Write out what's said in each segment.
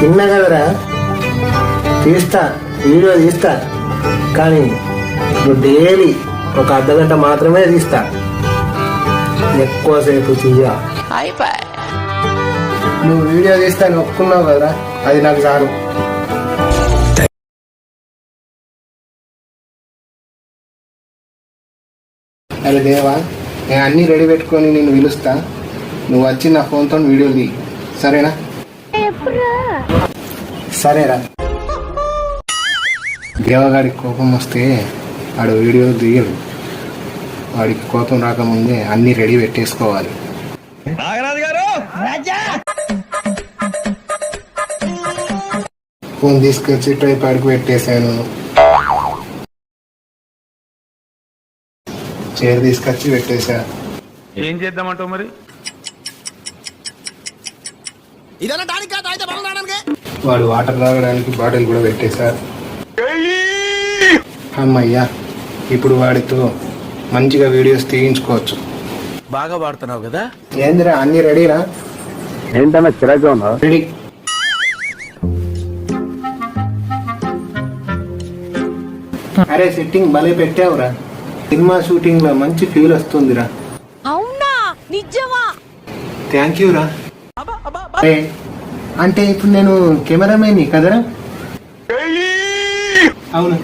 తిన్నా కదరా, తీస్తా, వీడియో తీస్తా, కానీ నువ్వు డైలీ ఒక అర్ధగంట మాత్రమే తీస్తా, ఎక్కువసేపు తీయ. నువ్వు వీడియో తీస్తా అని ఒప్పుకున్నావు కదరా, అది నాకు చాలు. అరే దేవా, నేను అన్నీ రెడీ పెట్టుకొని నిన్ను పిలుస్తా, నువ్వు వచ్చి నా ఫోన్తో వీడియోలు తీ, సరేనా? సరేరా. దేవగాడికి కోపం వస్తే వాడు వీడియో తీయడు, వాడికి కోపం రాకముందే అన్నీ రెడీ పెట్టేసుకోవాలి. ఫోన్ తీసుకొచ్చి ట్రైపాడ్కి పెట్టేశాను, చైర్ తీసుకొచ్చి పెట్టేశా. ఏం చేద్దామంటావు మరి? వాడు వాటర్ తాగడానికి బాటిల్ కూడా పెట్టేశారు. అమ్మయ్యా, ఇప్పుడు వాడితో మంచిగా వీడియోస్ తీయించుకోవచ్చు. బాగా వాడుతున్నావు కదా? ఏందిరా, అన్ని రెడీరా? ఏంటన్నా చిరాగ్గా ఉన్నావు? రెడీ. అరే సెట్టింగ్ భలే పెట్టావురా, సినిమా షూటింగ్ లో మంచి ఫీల్ వస్తుందిరా. అవునా, నిజమా? థ్యాంక్ యూ రా. అంటే ఇప్పుడు నేను కెమెరామెన్ కదరా? అవును.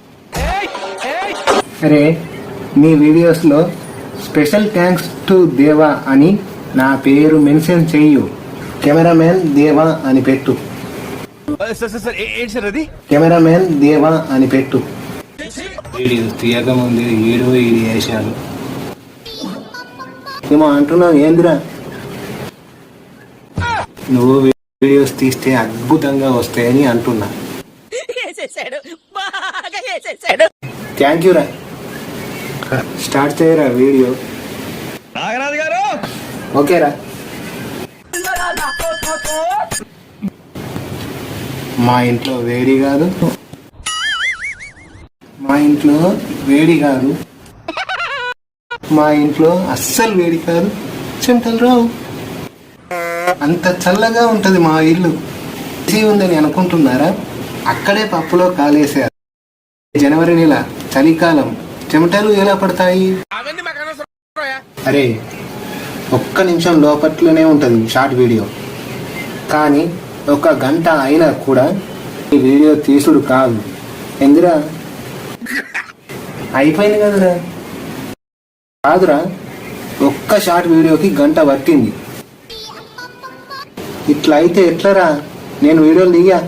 అరే, నీ వీడియోస్ లో స్పెషల్ థ్యాంక్స్ టు దేవా అని నా పేరు మెన్షన్ చెయ్యు. కెమెరామెన్ దేవా అని పెట్టు. కెమెరామెన్ దేవా అని పెట్టు. వీడియోస్ తీయకముందు ఈడు వేసాను ఏమో అంటున్నావు, ఏందిరా? నువ్వు వీడియోస్ తీస్తే అద్భుతంగా వస్తాయని అంటున్నా. థ్యాంక్ యూ రా. స్టార్ట్ చేయరా వీడియో. ఓకేరా. మా ఇంట్లో వేడి కాదు, మా ఇంట్లో వేడి కాదు, మా ఇంట్లో అస్సలు వేడి కాదు, చెమటలు రావు, అంత చల్లగా ఉంటది మా ఇల్లు. ఏసీ ఉందని అనుకుంటున్నారా? అక్కడే పప్పులో కాలేసారు. జనవరి నెల, చలికాలం, చెమటలు ఎలా పడతాయి? అరే, ఒక్క నిమిషం లోపట్లోనే ఉంటుంది షార్ట్ వీడియో, కానీ ఒక గంట అయినా కూడా ఈ వీడియో తీసుడు కాదు. ఎందురా? అయిపోయింది కదరా? కాదురా, ఒక్క షార్ట్ వీడియోకి గంట పట్టింది. ఇట్లా అయితే ఎట్లరా? నేను వీడియోలు దిగా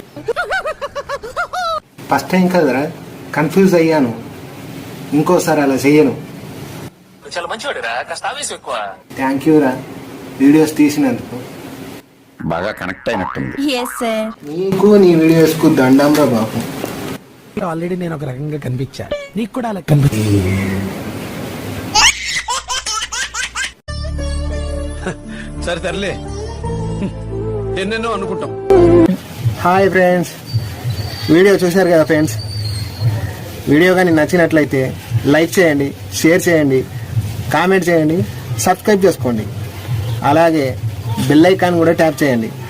ఫస్ట్ టైం కదరా, కన్ఫ్యూజ్ అయ్యాను. ఇంకోసారి అలా చెయ్యను. థ్యాంక్ యూ రా, వీడియోస్ తీసినందుకు. బాగా కనెక్ట్ అయినట్టుంది. నీకు నీ వీడియోస్ కు దండం రా బాబు. ఆల్రెడీ నేను ఒక రకంగా కనిపించా, నీకు కూడా అలా కనిపించా. సరే తరలే, ఎన్నెన్నో అనుకుంటాం. హాయ్ ఫ్రెండ్స్, వీడియో చూశారు కదా ఫ్రెండ్స్. వీడియో కానీ నచ్చినట్లయితే లైక్ చేయండి, షేర్ చేయండి, కామెంట్ చేయండి, సబ్స్క్రైబ్ చేసుకోండి. అలాగే బెల్ ఐకాన్ కూడా ట్యాప్ చేయండి.